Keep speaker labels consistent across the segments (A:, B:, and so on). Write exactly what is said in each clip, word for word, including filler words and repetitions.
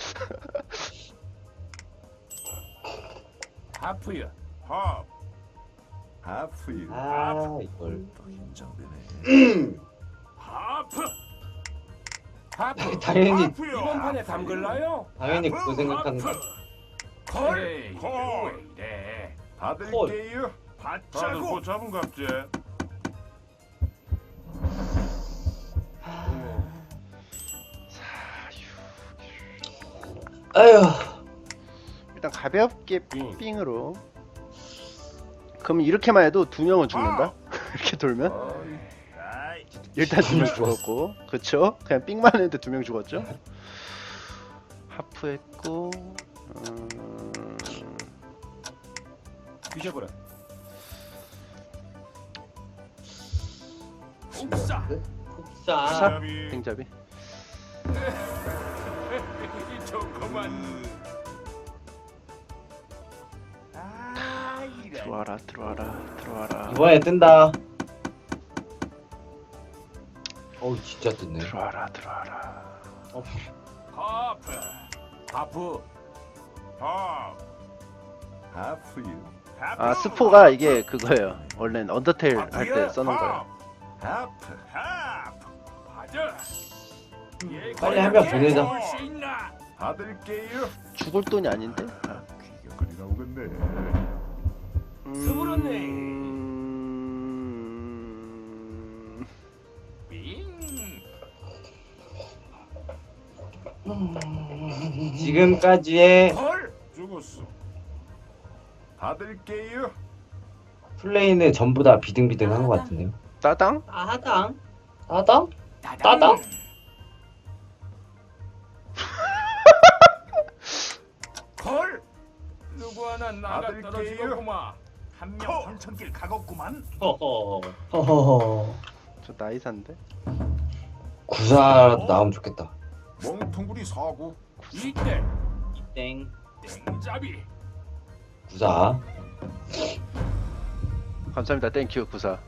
A: 하프야.
B: 하.
C: 하프유.
D: 아 이걸
C: 또 긴장되네.
A: 하프. 하프.
D: 당연히
B: 하프요.
A: 이번 판에 담글라요?
D: 당연히 그거 생각하는 거.
A: 콜.
B: 콜.
A: 콜. 왜 이래?
C: 받을게요.
B: 다들
A: 받자고.
B: 뭐 잡은 갑제.
D: 아휴.
E: 일단 가볍게
A: 빙.
E: 삥으로. 그럼 이렇게만 해도 두 명은 죽는다. 이렇게 돌면
C: 어이,
B: 아이.
E: 일단 두 명
D: 죽었어.
E: 죽었고, 그쵸? 그냥 삥만 했는데 두 명 죽었죠. 하프했고, 음...
A: 뒤져보라.
B: 옥사.
D: 폭사.
E: 폭사?
B: 잡이.
E: 땡잡이.
B: 좋구만.
A: 아, 이래.
E: 들어와라, 들어와라, 들어와라.
D: 이번에 뜬다. 어우 진짜 뜬네.
E: 들어와라, 들어와라.
D: 어,
A: 하프. 하프.
B: 하.
C: 하프유.
E: 아, 스포가 이게 그거예요. 원래는 언더테일 할 때 써놓은 거예요.
C: 하프.
B: 하.
A: 맞아. 얘
D: 빨리 한 명 보내자.
A: 볼수 있나?
C: 받을게요.
E: 죽을 돈이 아닌데?
C: 아, 귀경거리 나오겠네.
A: 스물었네.
E: 음...
A: 빙.
D: 지금까지의
A: 콜.
B: 죽었어.
C: 받을게요.
D: 플레이는 전부 다 비등비등한 것 같은데요.
E: 따당?
D: 아당. 아당?
A: 따당.
D: 따당?
A: 콜. 누구 하나 나가
C: 받을게요.
A: 떨어지겠구만. 한 명 황천길 가겠구만.
D: 허허. 허허허.
E: 저 나이산데?
D: 구사라도 나오면 좋겠다.
B: 멍텅구리 사고.
A: 이때
D: 땡.
A: 땡잡이.
D: 구사.
E: 감사합니다. 땡큐 구사.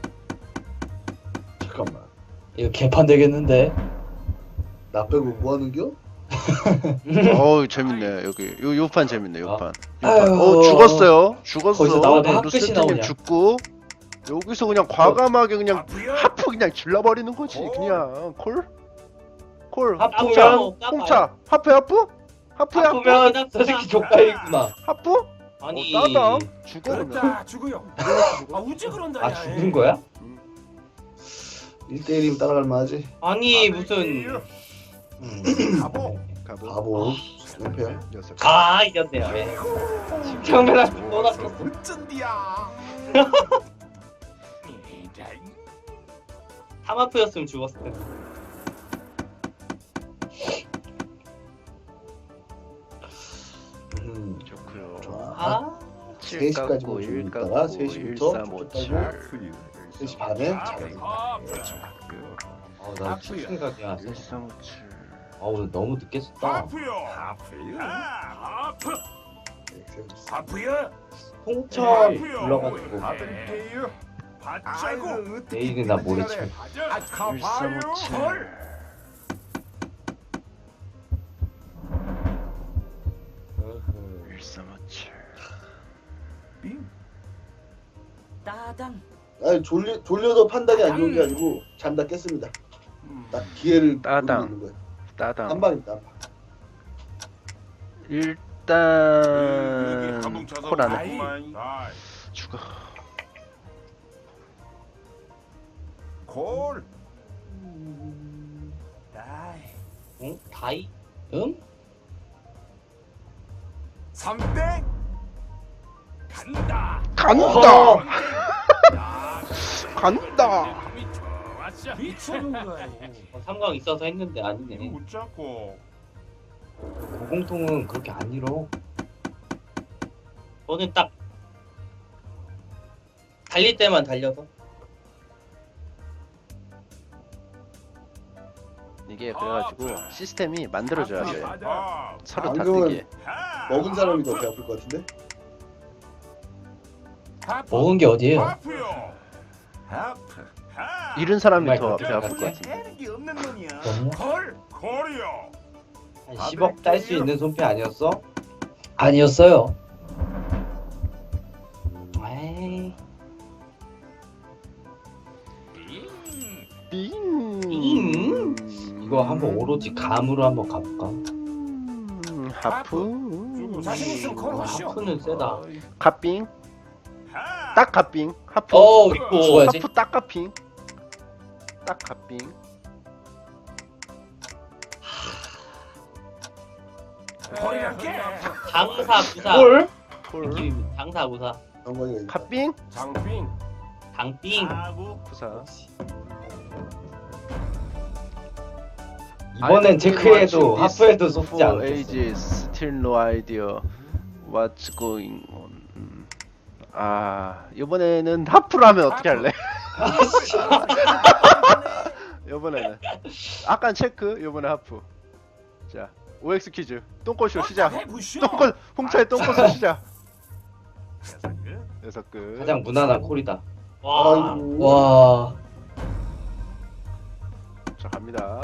F: 잠깐만.
D: 이거 개판 되겠는데?
F: 나 빼고 뭐 하는겨?
E: 어우 재밌네. 여기 요 요판 재밌네. 요판.
D: 아유.
E: 요판. 어 죽었어요. 죽었어.
D: 거기서 나오네. 핫끝이
E: 루스팀님
D: 나오냐.
E: 죽고 여기서 그냥 과감하게 그냥
A: 하프야.
E: 하프 그냥 질러버리는 거지. 그냥 콜? 콜.
D: 하프면
E: 홍차. 홍차. 하프 하프? 하프야. 하프?
D: 하프면 저 새끼 족가이구나.
E: 하프?
D: 아니.
E: 어, 따당. 죽어 그러면.
A: 그렇다 죽어요. 아 우지 그런다.
D: 아
A: 야.
D: 죽은 거야?
F: 일 대일이면 따라갈 만하지.
D: 아니 무슨. 음.
C: 가보.
E: 가보.
F: 바보. 깡패야.
E: 녀석.
D: 아 이겼네요. 예. 심청배랑 또 낚였어.
B: 어쩐디야.
A: 이래.
D: 하마프였으면 죽었을 텐데.
F: 음.
E: 좋고요.
F: 좋아.
D: 아.
F: 세 시까지 뭐 좀 있다가 세 시부터
E: 일삼오칠.
C: 하프유.
F: 세 시 반에
A: 하프.
F: 자게.
A: 하프.
D: 아나
A: 하프야.
D: 생각이야.
E: 일삼오칠.
D: 아우 너무 늦게 썼다.
B: 하프요.
C: 하프유.
B: 하.
A: 하프. 하프야.
D: 홍천
B: 하프요.
D: 불러가지고
C: 받을게요.
B: 받자고.
D: 내일은 나 모레 쳐.
B: 아 가봐요.
E: 일삼오칠.
A: 콜.
E: 일삼오칠.
C: 빙.
A: 따당.
F: 아니 졸리 졸려도 판단이 안 좋은 게 아니고 잠다 깼습니다. 딱 기회를
E: 따당.
F: 노리고 있는 거야.
E: 따당.
F: 한 방입니다. 한 방.
E: 일단 콜 안해.
A: 아이.
E: 죽어.
C: 콜.
A: 다이.
D: 응? 다이? 응?
B: 삼 대.
A: 간다.
E: 간다.
D: 어.
A: 야,
E: 간다.
A: 좋았어. 미쳐는 거야.
D: 어, 삼각 있어서 했는데 아니네.
B: 못 잡고.
D: 고공통은 그렇게 안 잃어. 너는 딱 달릴 때만 달려서.
E: 이게 그래가지고 시스템이 만들어져야 돼.
B: 하.
E: 서로 다
F: 방금은
E: 쓰게.
B: 하.
F: 먹은 사람이 더 배 아플 것 같은데?
D: 먹은 게 어디예요?
B: 하프요.
C: 하프.
B: 하.
E: 잃은 사람이 더
D: 정말
E: 배 아플 것
D: 그렇게
E: 같은데.
B: 하는 게 없는 놈이야.
D: 없나?
A: 콜.
B: 콜이요.
D: 한 십억 딸 수 있는 손패 아니었어?
G: 아니었어요.
D: 에이.
E: 빙.
D: 빙. 이거 한번 오로지 감으로 한번 가볼까?
E: 음, 하프.
A: 자신 있으면 걸어보시오.
D: 하프는 세다.
E: 갓빙. 딱 갓빙. 하프.
G: 어, 죽어야지.
E: 하프 딱 갓빙. 딱 갓빙.
A: 거리랄게.
H: 장사 부사.
E: 콜. 콜.
H: 느낌입니다. 장사 부사.
F: 영광이가 있다.
E: 갓빙.
B: 장빙.
H: 장빙.
E: 부사.
D: 이번엔 체크해도 하프에도 속지 않겠어.
E: ages still no idea what's going on. 음. 아 이번에는 하프로 하면 어떻게 할래? 이번에는 아까 체크, 이번에 하프. 자 오엑스 퀴즈 똥꼬쇼 시작.
A: 해보시오.
E: 똥꼬 홍차의 똥꼬쇼 시작. 여섯 끝.
D: 가장 무난한 콜이다.
H: 와.
F: 아이고.
G: 와.
E: 자 갑니다.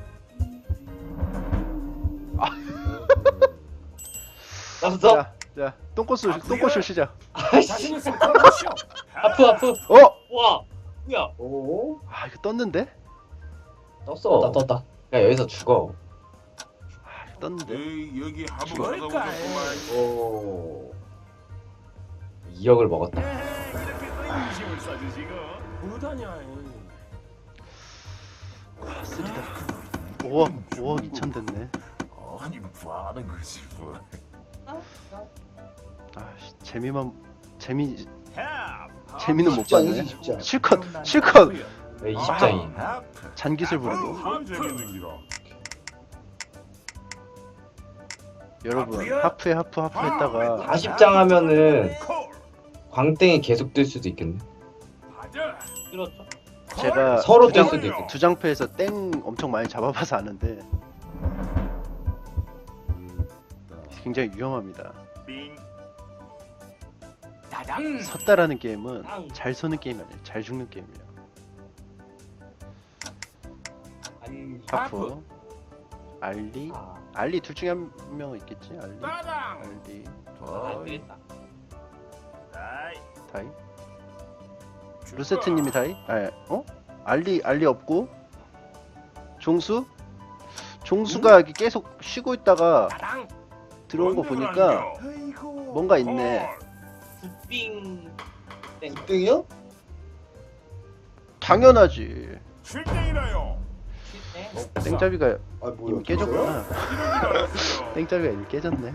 D: 떴어?
E: 자, 자 똥꼬쇼 똥꼬쇼 시작.
A: 자신 있으면 걸어보시오.
G: 하프 하프.
E: 어?
H: 와. 뭐야?
F: 오.
E: 아 이거 떴는데?
D: 떴어.
G: 떴다 떴다.
D: 야 여기서 죽어.
E: 아 이거 떴는데?
B: 에이, 여기 하부
A: 죽을까?
B: 가서 오셨구만.
F: 오.
D: 이억을 먹었다.
B: 이렇게 또 인심을 써주시고.
A: 뭐다냐.
E: 아 쓰리다. 오억 오억 이천 됐네.
B: 아니 뭐 하는 거지 뭐.
E: 아 씨, 재미만 재미
B: 하.
E: 재미는 못
F: 쉽지 않지,
E: 봤네.
F: 쉽지 않아.
E: 실컷 실컷
D: 왜 이십 장이?
C: 하프.
E: 잔기술 부르고.
B: 참 재밌는 기라.
E: 여러분
A: 하프야?
E: 하프에 하프 하프 했다가
D: 사십 장 하면은
B: 콜.
D: 광땡이 계속 뜰 수도 있겠네.
A: 맞아.
H: 그렇죠.
E: 제가
D: 서로
E: 두
D: 뜰
E: 장-
D: 수도 있겠다.
E: 두 장패에서 땡 엄청 많이 잡아봐서 아는데 굉장히 위험합니다.
B: 빙.
A: 다당.
E: 섰다라는 게임은
H: 땅.
E: 잘 서는 게임이 아니에요. 잘 죽는 게임이에요.
H: 아니.
E: 하프 알리
D: 아,
E: 알리 둘 중에 한 명은 있겠지. 알리
A: 따당.
E: 알리
H: 안 되겠다.
B: 다이.
E: 다이 루세트님이 다이? 아 어? 알리 알리 없고 종수 종수가 여기 계속 쉬고 있다가
A: 다당.
E: 들어온 거 보니까 뭔가 있네.
H: 굿빙. 땡.
F: 땡이요?
E: 당연하지.
B: 칠땡이라요.
H: 땡.
E: 땡잡이가
F: 아 뭐야?
E: 이미 깨졌구나.
B: 알았어요.
E: 땡잡이가 이미 깨졌네.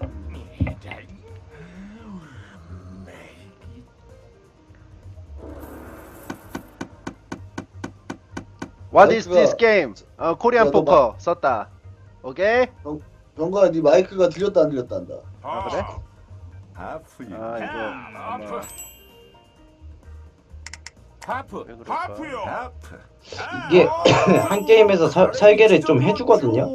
E: What is this game? 어, 코리안
F: 야, 너
E: 포커 썼다. 오케이?
F: 병가 네 마이크가 들렸다 안 들렸다 한다.
E: 아, 그래?
C: 하프유.
E: 아 이거 아마
A: 하프. 하프.
E: 왜 그럴까?
B: 하프요.
C: 하프.
D: 이게 한 게임에서 서, 설계를 좀 해주거든요.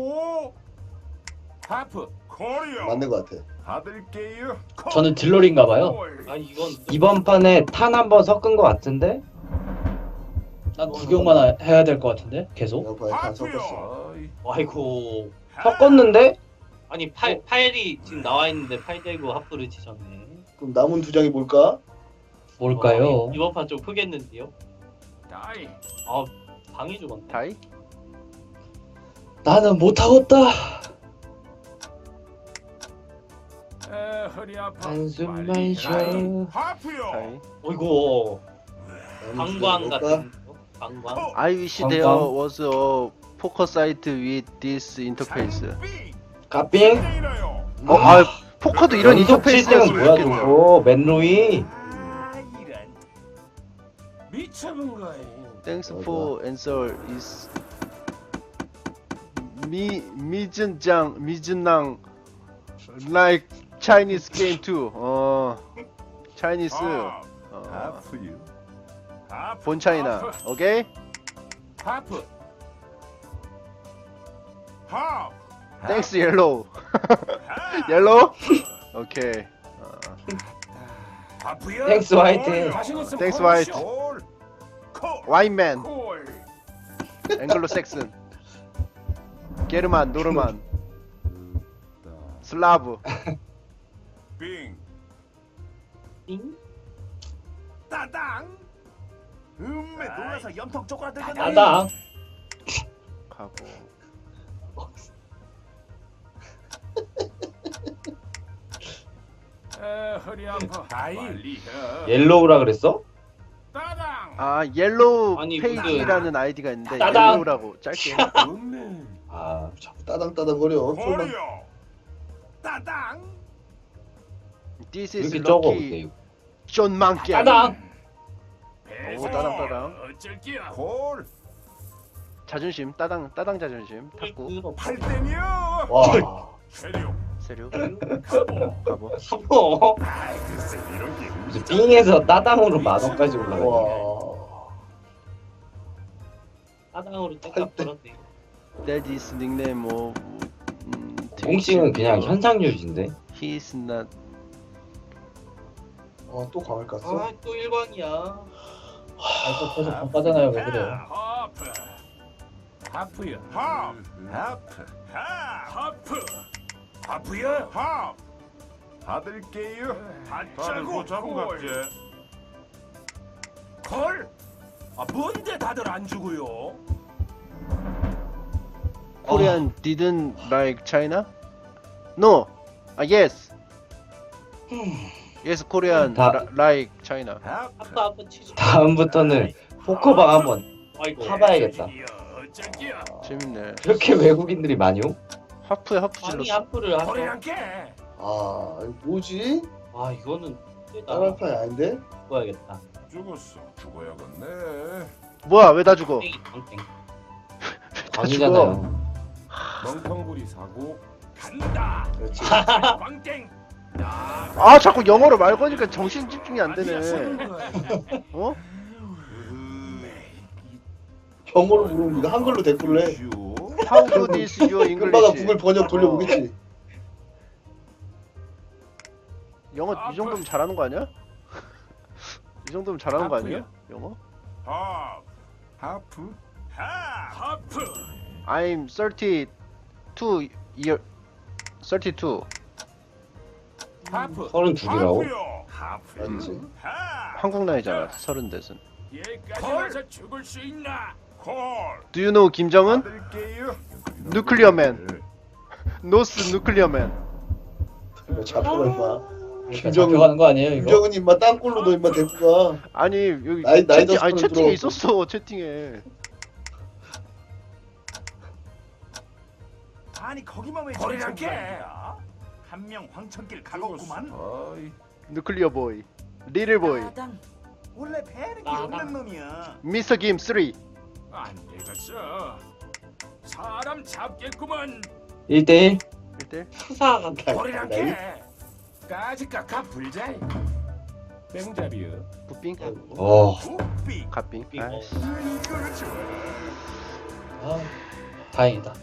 A: 하프.
B: 코리아.
F: 맞는 것 같아.
C: 받을게요.
G: 저는 딜러리인가 봐요.
H: 아니 이건
D: 이번 판에 탄 한 번 섞은 것 같은데?
G: 난 구경만 하- 해야 될 것 같은데 계속.
F: 영파에 다 섞었어.
C: 어이.
H: 아이고.
D: 섞었는데?
H: 아니 팔 팔이 지금 나와 있는데 팔 대고 하프를 치셨네.
F: 그럼 남은 두 장이 뭘까?
G: 뭘까요?
H: 어, 이번 판 좀 크겠는데요?
A: 다이.
H: 아 방이 죽었네.
E: 다이?
G: 나는 못하겠다.
A: 에 허리 아파.
D: 한숨만
A: 빨리
D: 쉬어.
A: 다이.
B: 하프요.
E: 다이?
H: 어이구.
F: 남은 두
H: 방광
F: 장이
H: 같은
F: 뭘까?
H: 거? 방광.
E: I wish there
D: 방광.
E: was a poker site with this interface.
B: 빙.
D: 가빙?
B: 칠땡이라요.
E: 어, 아 포커도 이런
D: 연속
E: 인터페이스였으면
D: 칠 등은 뭐야
E: 좋겠네.
D: 저거? 맨로이?
A: 아 이런. 미쳐본 거야.
E: Thanks for answer is 미 미진장 미진낭 like Chinese game too. 어 Chinese
B: 하.
E: 어,
C: 하프유.
B: 하프.
E: 본 차이나. 오케이?
A: 하프.
B: 하프.
E: Thanks yellow. yellow? 오케이. 어,
A: 하프야.
D: 땡스 화이트.
A: 자신 있으면
E: Thanks,
A: 걸어보시오.
B: 콜. 콜.
E: 와인맨,
A: 콜.
E: 앵글로 섹슨, 게르만, 노르만. 슬라브.
B: 빙.
H: 띵?
B: 따당. 음메 놀라서 염통 쪼그라들겠네.
G: 따당.
E: 가보.
A: 에, 허리 아파.
B: 다이.
A: 빨리 해.
D: 옐로우라 그랬어?
A: 따당.
E: 아 옐로우
H: 아니,
E: 페이지라는 아이디가 있는데
G: 따당.
E: 옐로우라고 짧게.
B: 음메.
D: 아,
F: 자꾸 따당따당 거려. 설마.
B: 거려. 따당.
E: This
D: 왜
E: is
D: 이렇게 적어?
E: lucky.
D: 근데
E: 존 망게.
G: 따당.
E: 오 따당 따당.
A: 어쩔 기야.
B: 골.
E: 자존심 따당 따당 자존심. 탁구.
B: 팔땡이요.
F: 와.
B: 체력.
E: 세류.
A: 가보.
E: 가보.
H: 삼호.
B: 아이 글쎄 이런 게
D: 무슨 빙에서 따당으로 만 원까지 올라가.
F: 와.
H: 따당으로 땡값
F: 팔 대.
H: 벌었네.
E: Daddy's nickname 뭐 음,
D: 공식은 그냥 현상유지인데.
E: He's not.
F: 아, 또 광을 깠어?
H: 아, 또 일광이야.
G: 아이고 계속 바빠잖아요. 왜 그래요?
A: 하프. 하프야.
B: 합.
C: 하프.
B: 합.
A: 하프. 하프야.
B: 합.
C: 받을게요.
B: 다들
A: 받자고.
B: 뭐 잡고
A: 콜.
B: 갔지.
A: 콜. 아, 뭔데 다들 안 주고요?
E: Korean didn't like China? No. 아 yes. Yes, Korean
D: 다-
E: ra- like China.
C: 하프.
H: 아빠 아빠 치즈.
D: 다음부터는 포커방 한번
H: 아이고.
D: 타봐야겠다.
A: 어쩔 기야.
E: 재밌네.
D: 그렇게 외국인들이 많이 오?
E: 하프에 하프
H: 아니
E: 질렀어.
H: 하프를 하죠.
A: 허리랑 깨.
F: 아, 이거 뭐지?
H: 아 이거는 세다.
F: 따라판이 아닌데?
H: 죽어야겠다.
B: 죽었어. 죽어야겠네.
E: 뭐야 왜 다 죽어?
H: 땡이 땡.
D: 광이잖아요.
A: 멍텅구리 사고 간다.
F: 그렇지.
A: 광땡. 나.
E: 아 자꾸 영어로 말 거니까 정신 집중이 안 되네. 어?
F: 영어로 물으면 네가 한글로 댓글을 해.
E: How good is your
F: 금방가
E: English?
F: 구글 번역 돌려보겠지.
E: 영어 이 정도면 잘하는 거 아니야? 이 정도면 잘하는 거 아니야? 영어?
B: 합.
C: 하프.
B: 합.
A: 하프.
E: I'm thirty-two year. thirty-two.
A: 하프.
D: 서른두 개라고?
B: 하프요.
A: 하프.
F: 맞지?
B: 합.
E: 한국 나이잖아. 서른 대순.
A: 얘까지 와서 죽을 수 있나?
B: 콜.
E: Do you know 김정은?
C: 받을게요.
E: 누클리어맨. 노스 누클리어맨.
F: 이거 잡혀가 임마.
G: 그러니까
F: 김정은-
G: 잡혀가는 거 아니에요 이거?
F: 김정은 임마 땅굴로 너 임마 데리고 가.
E: 아니 여기
F: 나이- 나이
E: 채팅, 아니
F: 덕분에
E: 채팅에
F: 들어오고.
E: 있었어 채팅에.
B: 아니 거기만 왜
A: 허리랑 깨.
B: 한명 황천길 가겠구만.
C: 아이.
E: 누클리어 보이. 리틀 보이.
B: 원래 배는 게
H: 아,
B: 없는 놈이야.
E: 미스터 김 쓰리.
A: 안 되겠어. 사람 잡겠구만.
D: 일 대일?
E: 일대.
H: 수사 같다.
A: 허리랑 깨. 까지 깎아 불자이. 맹잡이요.
E: 부빙.
D: 어,
B: 우삐.
E: 갓빙.
H: 빙.
E: 아이씨.
B: 이걸 줘.
G: 아, 다행이다.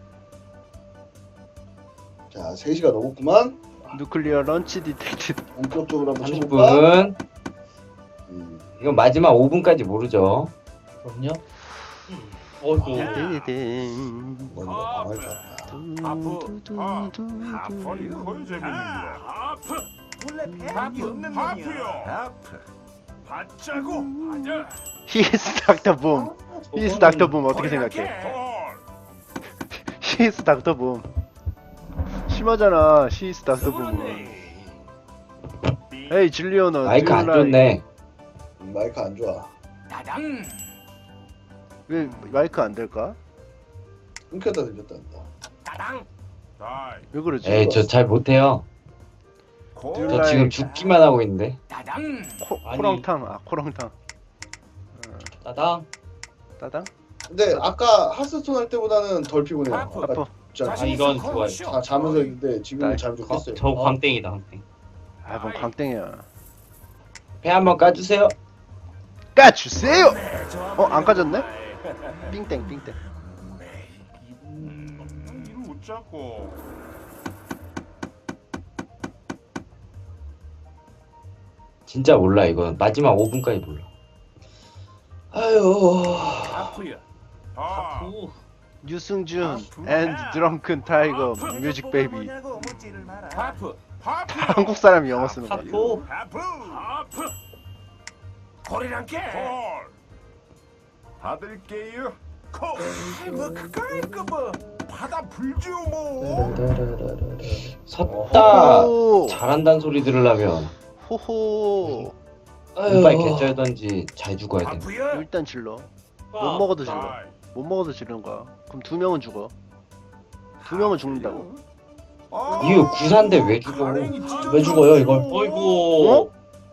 F: 자, 세 시가 넘었구만.
E: 누클리어 런치 디텍티드.
F: 본격적으로 한번
D: 삼십
F: 쳐볼까?
D: 분.
F: 음.
D: 이건 마지막 오 분까지 모르죠.
G: 그럼요.
H: 어이구.
E: 띠디딩.
F: 먼저 광을 깠다.
B: 하프리 거의 재밌는데.
A: 하프.
B: 원래 배는
A: 하프.
B: 게 없는 놈이야. 하프요.
C: 하프.
A: 받자고. 받아.
E: 히스 닥터 붐. 히스 닥터 붐 어떻게 생각해?
B: 콜.
E: 히스 닥터 붐. 심하잖아. 히스 닥터 붐. 에이 질리오너.
D: 마이크 안 좋네.
F: 음, 마이크 안 좋아.
A: 따당.
E: 왜 마이크 안 될까?
F: 끊겼다 들렸다 한다.
A: 따당.
B: 다이.
E: 왜 그러지?
D: 에이, 저 잘 못해요.
C: 콜.
D: 저 지금 죽기만 하고 있는데.
A: 따당.
E: 코,
H: 아니.
E: 코랑탕. 아 코랑탕.
G: 따당.
E: 따당?
F: 근데 아까 하스스톤 할 때보다는 덜 피곤해요.
A: 하프.
F: 아까
E: 아프.
F: 진짜
H: 아, 이건 좋아요.
F: 자, 자면서 했는데 지금은
E: 나이.
F: 잠이 좀 깼어요.
H: 저 광땡이다 광땡.
E: 아, 뭔 광땡이야.
D: 배 한번 까주세요.
E: 까주세요! 어, 안 까졌네? 삥땡, 삥땡.
B: 음, 이거 웃자고.
D: 진짜 몰라, 이건. 마지막 오 분까지 몰라.
F: 아유.
A: 하프야.
B: 아.
H: 우.
E: 유승준 and drunken tiger music baby.
A: 하프
B: 하프요.
E: 한국 사람이 영어 쓰는 거야.
H: 하프.
B: 하프.
A: 하프 콜이란 게
B: 콜.
C: 받을게요.
B: 콜.
A: 뭐 그거야 이거 뭐
B: 받아 불지요 뭐.
D: 섰다
E: 호호.
D: 잘한다는 소리 들으려면
E: 호호.
D: 이빨 개쩔던지 잘 죽어야 돼.
A: 하프야
E: 일단 질러. 못
H: 아,
E: 먹어도 질러.
B: 다이.
E: 못 먹어도 지르는 거야. 그럼 두 명은 죽어. 두 명은 죽는다고.
B: 아,
D: 이거 구사인데 왜 죽어?
B: 가랭이 찢어져.
G: 왜 죽어요, 이걸?
H: 어이구.
E: 어?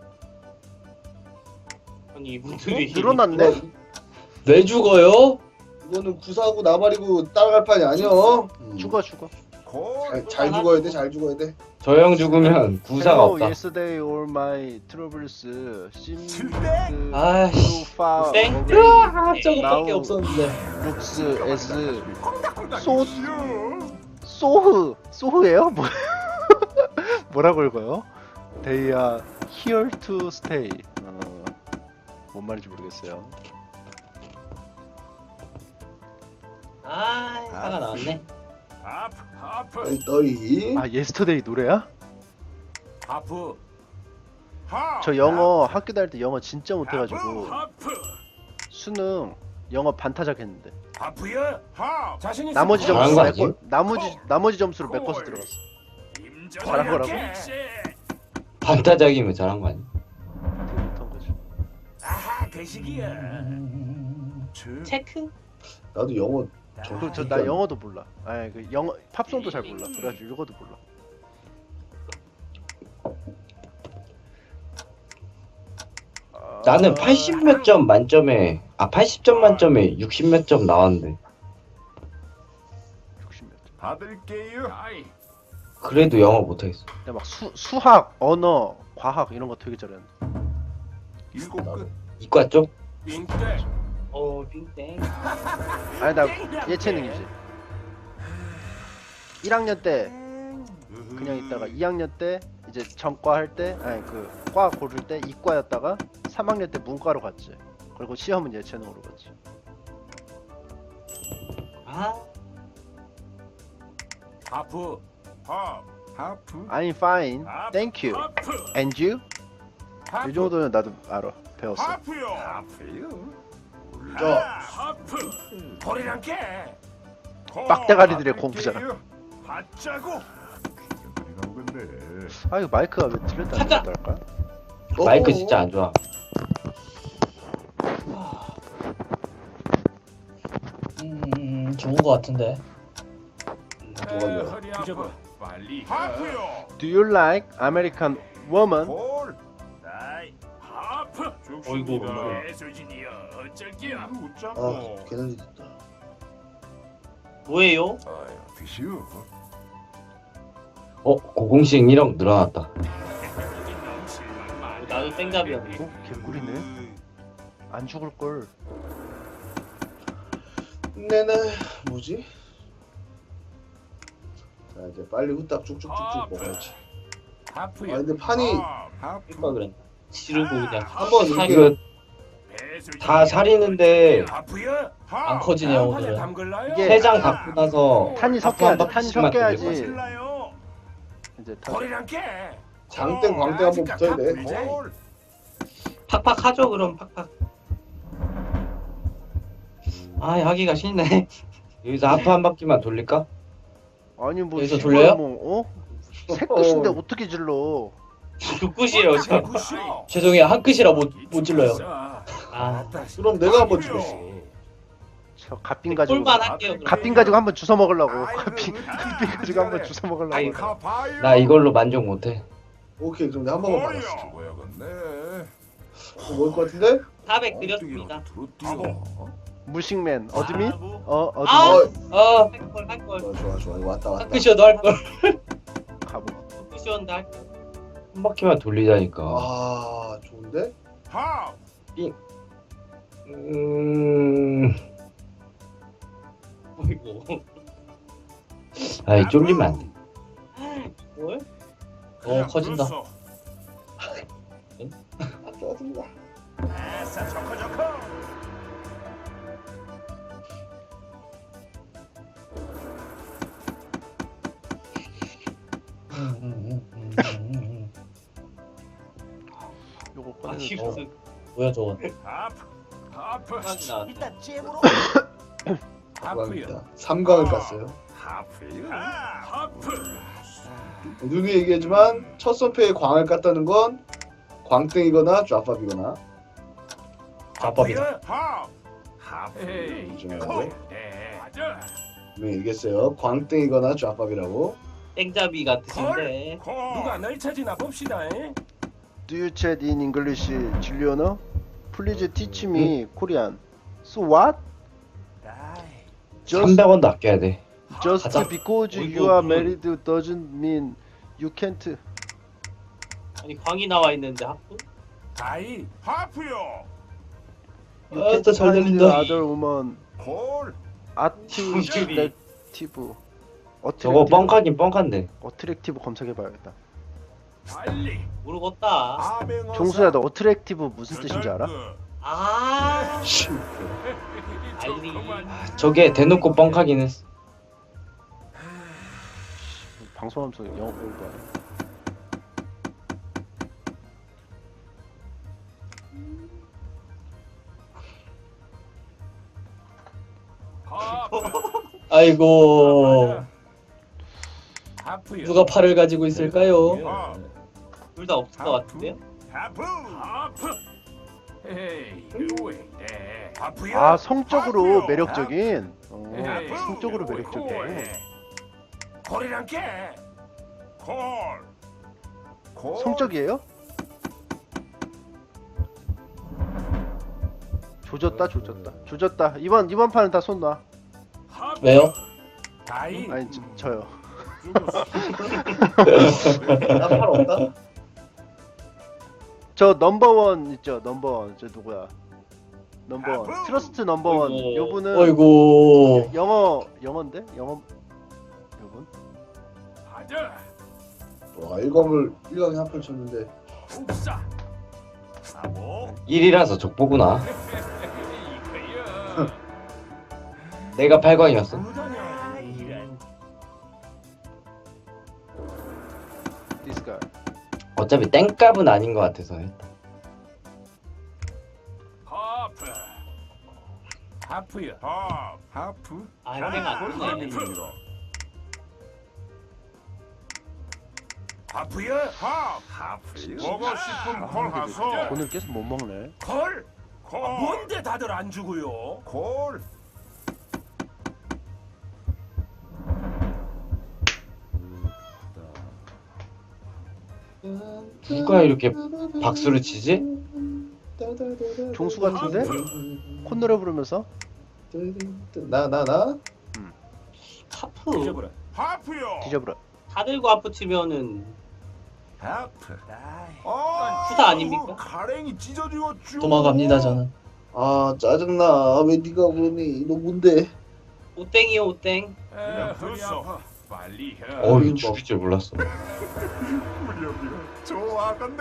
H: 아니 이분들이
E: 늘어났네?
G: 왜 죽어요?
F: 이거는 구사하고 나발이고 따라갈 판이 아니여. 음.
E: 죽어 죽어.
B: 콜.
F: 잘, 잘 죽어야 돼, 잘 죽어야 돼.
D: 저 형 죽으면 구사가
E: Hello,
D: 없다.
E: yesterday all my troubles seemed
B: 칠백?
G: 아이씨.
E: so far
H: 땡.
E: away.
G: 아, 저거밖에
E: 나우.
G: 없었는데.
E: looks as
B: 콩닥콩닥
E: 소-
B: 이지요.
E: 소흐 소흐예요? 뭐 뭐라고 읽어요? They are here to stay. 어, 뭔 말인지 모르겠어요.
H: 아 화가 나왔네.
B: 하프. 하프.
F: 너희, 너희.
E: 아 yesterday 노래야?
A: 하프
B: 하.
E: 저 영어 학교 다닐 때 영어 진짜 못해가지고
A: 하프
E: 수능 영어 반타작 했는데
A: 하프야
B: 하.
A: 자신 있어
E: 나머지
D: 잘한
E: 점수로
D: 거
E: 메꿔
D: 아니에요?
E: 나머지 나머지 점수로 메꿔서 들어갔어. 잘한 거라고?
D: 반타작이면 잘한 거 아니야?
E: 되게 못한 거지.
A: 아하 그 시기야
H: 체크.
F: 나도 영어
E: 그 저 나 영어도 몰라. 아니 그 영어 팝송도 잘 몰라. 그래가지고 읽어도 몰라. 아,
D: 나는 팔십 몇 점 만점에 아 팔십 점 만점에 육십 몇 점 나왔는데
E: 육십 몇 점.
C: 받을게요.
A: 아이
D: 그래도 영어 못하겠어.
E: 근데 막 수, 수학, 언어, 과학 이런 거 되게 잘했는데.
C: 일곱 끝.
D: 이과 쪽?
A: 빙대
H: 어 빙땡.
E: 아니 나 예체능이지. 일 학년 때 그냥 있다가 이 학년 때 이제 전과 할 때 아니 그 과 고를 때 이과였다가 삼 학년 때 문과로 갔지. 그리고 시험은 예체능으로 갔지.
H: 아
A: 하프
B: 하.
C: 하프.
E: I'm fine, thank you.
A: 하프
E: And you?
A: 하프
E: 이 정도는 나도 알아. 배웠어.
B: 하프요.
C: 하프요.
F: 저
A: 하프 콜이란 게
B: 콜.
E: 빡대가리들의 공부잖아.
B: 받자고.
C: 그리 나오겠네.
E: 아 이거 마이크가 왜 들렸다 안 들렸다 할까?
D: 마이크 진짜 안 좋아.
G: 음, 좋은 거 같은데.
F: 누가 이거?
A: 허리 아프 빨리
B: 하프요.
E: Do you like American woman?
B: 콜.
A: 다이 하프
H: 어이구.
A: 예수진이여 어쩔기야
B: 이거
F: 아,
B: 웃자고.
F: 괜한 짓 했다.
H: 뭐예요?
C: 아유, 드시오.
D: 어 고공식 일억 늘어났다.
H: 나도 땡갑이었네.
E: 어? 개꿀이네. 안 죽을 걸.
F: 네네, 뭐지? 자, 이제 빨리 후딱 쭉쭉쭉쭉 먹어야지. 아,
A: 하프야
F: 근데 판이
B: 하.
C: 하프.
H: 누가 그랬나? 지르고 그냥
F: 한번
H: 사기.
D: 이거 다 살이는데
A: 하프야
B: 하.
G: 안 커지네요, 오늘은.
A: 담글라요
E: 이게
D: 세 장 갖고 나서
E: 탄이
D: 하프 한
E: 섞여야지. 탄이
D: 바퀴씩만
E: 섞여야지.
D: 돌리고.
B: 실라요.
E: 이제 다.
A: 콜이란 게
F: 장땡 광땡 한번 붙어야 돼.
B: 콜.
H: 팍팍 하죠 그럼 팍팍. 아 하기가 싫네.
D: 여기서 하프 한 바퀴만 돌릴까?
E: 아니 뭐
G: 여기서
E: 씨발
G: 돌려요?
E: 뭐, 어? 새 끝인데 어떻게 질러?
H: 두 끝이에요 지금.
A: 굿이요
G: 죄송해요, 한 끗이라 못, 못 질러요.
H: 아
F: 그럼 내가 한번 죽였어.
E: 저 갓빈 가지고
H: 꿀만 할게요 그럼.
E: 갓빈 가지고 한번 주워 먹으려고.
B: 아이고,
E: 갓빈
B: 으이구,
E: 갓빈 가지고 한번 주워 먹으려고.
H: 아이고.
B: 가봐요.
D: 나 이걸로 만족 못해.
F: 오케이, 그럼 내가 한 번만 받았어.
B: 콜이요.
C: 뭐야겠네.
F: 먹을 것 같은데?
H: 사백 드렸습니다.
E: 무식맨 어드민? 어
H: 아!
E: 어드민
G: 아,
H: 할걸 할걸.
F: 좋아, 좋아, 좋아. 이거 왔다, 왔다.
G: 한 끗이어도 할 걸.
E: 가보.
H: 끝이었는데 할 걸.
D: 한 바퀴만 돌리자니까.
F: 아, 좋은데?
B: 하.
D: 음.
H: 어이구.
D: 아이 쫄리면 안 돼.
H: 뭘?
G: 어, 커진다.
F: 아, 짜증나.
B: 아싸 저커 저커.
G: 음, 음, 음, 음, 음.
E: 요거
H: 아,
E: 꺼내서
H: 힙스
G: 뭐야 저건?
B: 하프 하프
H: 생각이 나.
A: 일단 잼으로.
F: 감사합니다. 삼 강을 깠어요.
B: 하프요 하프
F: 누누이 얘기하지만 첫 선패에 광을 깠다는 건 광땡이거나 좌팝이거나
G: 좌법이다.
B: 하프 하프
A: 에이.
F: 중요하고
A: 네.
B: 맞아
F: 분명히 얘기했어요. 광땡이거나 좌팝이라고.
H: 땡잡이 같으신데.
B: 콜
A: 누가 널 찾으나 봅시다. 에?
E: Do you chat in English, Juliana? Please teach me Korean. So what? Just,
D: 삼백 원도 아껴야 돼.
E: just
G: 가자.
E: because
H: 어이구,
E: you are
H: 그건-
E: married doesn't mean you can't.
H: 아니 광이 나와 있는데 하프?
A: 다이.
B: 하프요
E: You
G: 아,
E: can't
G: 진짜 잘
E: find
G: 들린다.
E: other woman
B: 콜
E: attractive.
D: 저거 뻥카긴 뻥칸데.
E: 어트랙티브 검색해봐야겠다.
B: 빨리
H: 모르겠다.
B: 아맹어사
E: 종수야, 너 어트랙티브 무슨 뜻인지 알아?
H: 아 알리.
D: 저게 대놓고 뻥카긴 했어.
E: 방송하면서 영어 배우고 하네.
G: 아이고
A: 하프요.
G: 누가 팔을 가지고 있을까요?
H: 둘 다 없을 것 같은데요?
B: 하프
A: 하프. 에이. 왜? 네. 하프요.
E: 아, 성적으로
B: 하프요.
E: 매력적인. 어,
A: 에이.
E: 성적으로 매력적인.
A: 콜이란 게.
B: 콜 콜.
E: 성적이에요? 조졌다, 조졌다, 조졌다. 이번 이번 판은 다 손 놔.
B: 하프.
G: 왜요?
A: 다이.
E: 아니 저, 저요.
F: 나팔 없다?
E: 저 넘버원 있죠, 넘버원. 저 누구야? 넘버원.
B: 아부!
E: 트러스트 넘버원.
H: 어이구.
E: 요분은
G: 어이구
E: 영어 영어인데? 영어 요분?
B: 맞아
F: 와 일검을 일 강에 한판 쳤는데
B: 욱사 사보
D: 일이라서 족보구나.
B: 이거야
D: 내가 팔 강이었어.
A: 무더냐 이런.
E: This guy.
D: 어차피 땡값은 아닌 것 같아서 했다.
B: 하프
A: 하프요.
B: 하프 하프
H: 아 땡 안 뜨네.
A: 하프요.
B: 하프 하프 먹고 싶은 콜 하소
E: 오늘 계속 못 먹네.
A: 콜.
B: 콜
A: 아, 뭔데 다들 안 주고요?
B: 콜
D: 누가 이렇게 박수를 치지?
E: 종수 같은데? 콧노래 부르면서?
F: 나나 나?
H: 하프.
A: 잊어버려.
B: 하프요
E: 뒤져버려.
H: 다 들고 하프 치면은
B: 하프
A: 다이.
B: 아
H: 투사 아닙니까?
B: 가랭이 찢어지겠죠
G: 도망갑니다 저는.
F: 아 짜증나. 왜 네가 그러니? 너 뭔데?
H: 오땡이요 오땡.
B: 그냥 됐어 빨리 해
D: 어이 죽일 줄 몰랐어.
B: 무력이야 좋아 건데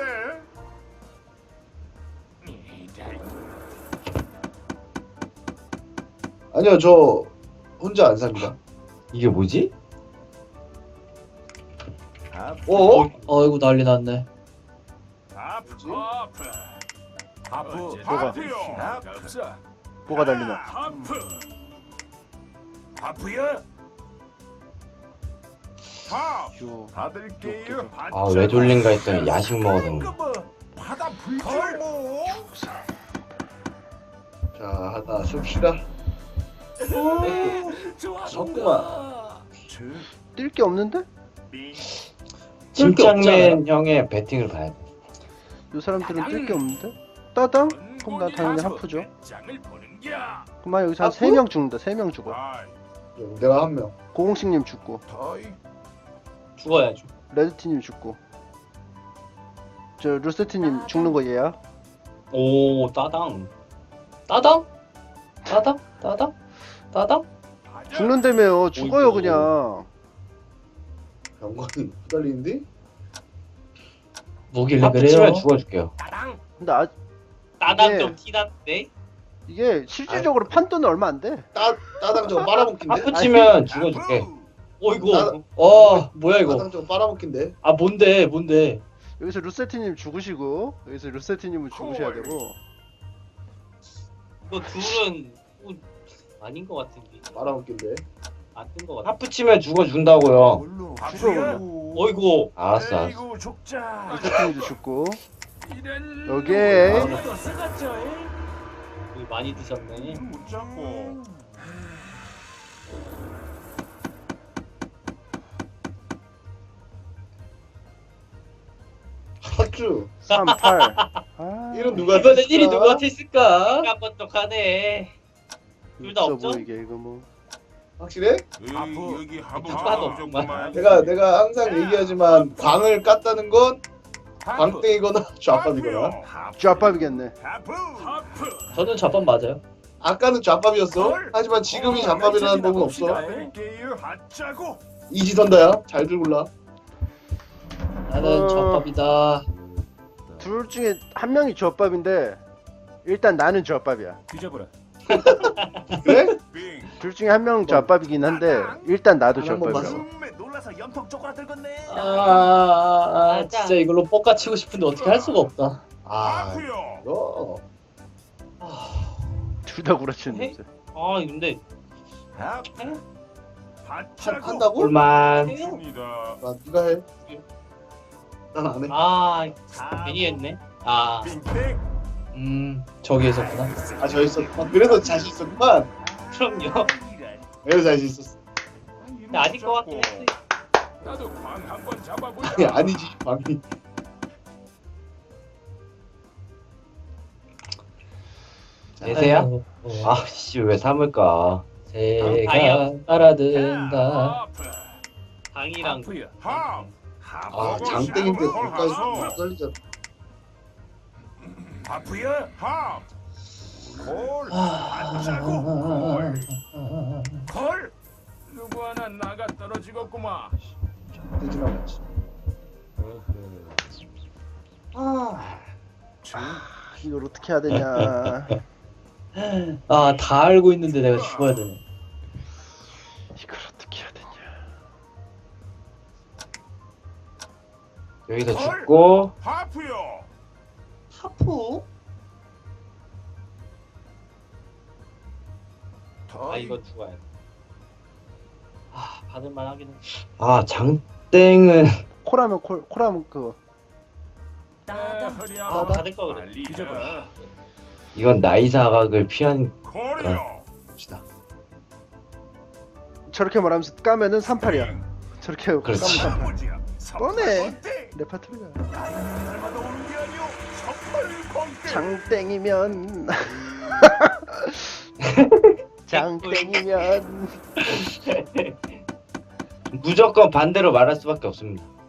F: 아니요 저 혼자 안 삽니다.
D: 이게 뭐지?
F: 어?
G: 어이구 난리 났네.
B: 하프
F: 뭐지?
B: 하프
A: 하프.
E: 뭐가?
B: 하프요
A: 없어.
E: 뭐가 달리나?
B: 하프
A: 하프요.
B: 하프
E: 유.
B: 받을게요
D: 아 왜 졸린가 했더니 야식 먹어서.
B: 받아 불걸 뭐
F: 자 하나 씁시다.
A: 좋아.
F: 섰구만.
E: 뛸 게 없는데?
D: 침착맨 형의 배팅을 봐야 돼.
E: 요 사람들은 뛸 게 없는데? 따당? 그럼 나 당연히 하프죠.
B: 장을 보는 겨
E: 그만 여기서 한
F: 하프?
E: 세 명 죽는다. 세 명 죽어.
B: 아이
F: 내가 한 명.
E: 고공식님 죽고,
B: 더이
H: 죽어야죠.
E: 레드티님 죽고. 저 루세티님 죽는 거 얘야?
H: 오 따당. 따당? 따당? 따당? 따당?
E: 죽는다며요. 죽어요
H: 어이구.
E: 그냥.
F: 병관이 후달리는데?
G: 뭐길래
D: 하프
G: 그래요?
D: 치면 죽어줄게요.
A: 따당.
E: 근데 아,
H: 따당
E: 이게-
H: 좀 티났네.
E: 이게 실질적으로 판돈은 얼마 안 돼.
F: 따 따당 저거 빨아먹긴데?
D: 하프 치면 죽어줄게.
H: 어이구.
F: 나-
G: 어 뭐야 이거?
F: 가장 좀 빨아먹긴데.
G: 아 뭔데 뭔데?
E: 여기서 루세티님 죽으시고 여기서 루세티님은 죽으셔야 되고.
H: 이거 둘은 어, 아닌 것 같은데.
F: 빨아먹긴데.
H: 안뜬 것 같아.
D: 하프 치면 죽어준다고요.
C: 물로
F: 죽어.
H: 어이구.
D: 알았어, 알았어.
B: 에이구 죽자.
E: 루세티님도 죽고.
B: 이런
E: 오케이.
A: 오늘도 쓰갔죠.
H: 이거 많이 드셨네.
B: 못 잡고.
F: 핫주.
E: 삼, 팔. 아,
F: 이런 누가
G: 이번엔
F: 됐을까?
G: 일이 누구한테 있을까?
H: 깜빡떡하네. 둘 다
E: 없어
H: 없죠?
E: 보이게 이거 뭐.
F: 확실해?
B: 에이, 여기 하부
H: 하나도
B: 없구만.
F: 내가 내가 항상 얘기하지만 광을 깠다는 건
A: 하프.
F: 광땡이거나 좌밥이거나.
E: 쥐압밥이겠네.
B: 하프.
A: 하프.
G: 저는 좌판 맞아요.
F: 아까는 좌밥이었어. 하지만 지금이 좌밥이라는 법은 없어.
B: 뺄게요. 받자고.
F: 이지선다야. 잘들 골라.
G: 나는
E: 어.
G: 좌판이다.
E: 둘 중에 한 명이 쥐압밥인데 일단 나는 쥐압밥이야.
A: 뒤져보라.
F: 그래?
B: 빙.
E: 둘 중에 한 명은 쥐압밥이긴 한데 일단 나도
F: 한 번만
E: 쥐압밥이야.
F: 봤어.
B: 음에 놀라서 염통 쪼그라들겠네.
G: 아, 아, 아
H: 맞아.
G: 진짜 이걸로 뻑가 치고 싶은데 어떻게 할 수가 없다.
F: 아,
B: 하프요.
F: 이거
E: 둘 다 구라치는
H: 해?
E: 냄새.
H: 아 근데
B: 하프.
H: 해?
F: 한,
B: 받자고.
F: 한다고?
D: 꿀만.
H: 해요?
B: 습니다.
F: 아, 네가 해. 난 안 해.
H: 아 괜히 했네. 아
B: 빙빙.
G: 음 저기 있었구나.
F: 아, 저 있었구만. 그래서 자신 있었구만.
H: 그럼요.
F: 그래서 자신 있었어.
H: 근데 아닐 것 같긴 했어.
B: 나도 광 한번 잡아보자.
F: 아니, 아니지, 광이.
D: 내세야?
G: 아이고, 어,
D: 아씨 왜 삼을까?
G: 새가
H: 아니요.
G: 따라든다.
B: 하프.
H: 방이랑
A: 하프야.
B: 하.
F: 아, 장땡인데 거기까지 못 살리잖아.
B: 하프야. 하. 콜.
G: 아,
B: 받자고. 콜.
A: 걸. 누구 하나 나가 떨어지겠구만.
F: 되지 말았지.
D: 아,
E: 이걸 어떻게 해야 되냐.
G: 아, 다 알고 있는데 내가 죽어야 되네.
E: 이걸 어떻게 해야 되냐.
D: 여기서 죽고
B: 하프요.
H: 하프? 아 이거 죽어야 돼. 아 받을만 하긴 해.
D: 아 장땡은
E: 콜하면 콜, 콜하면 그거.
B: 허리
H: 아
B: 아파.
H: 받을 거 그래.
B: 빨리
A: 뒤져봐.
B: 가.
D: 이건 나이 사각을 피한
B: 콜이요.
F: 봅시다.
E: 저렇게 말하면서 까면은 삼팔이야. 저렇게 하고 까면
D: 그렇지.
E: 삼팔.
B: 아버지야.
E: 뻔해. 레파토리가.
B: 날마다 오는 게 아니오. 선발 광대.
E: 장땡이면. 장땡이면.
D: 무조건 반대로 말할 수밖에 없습니다.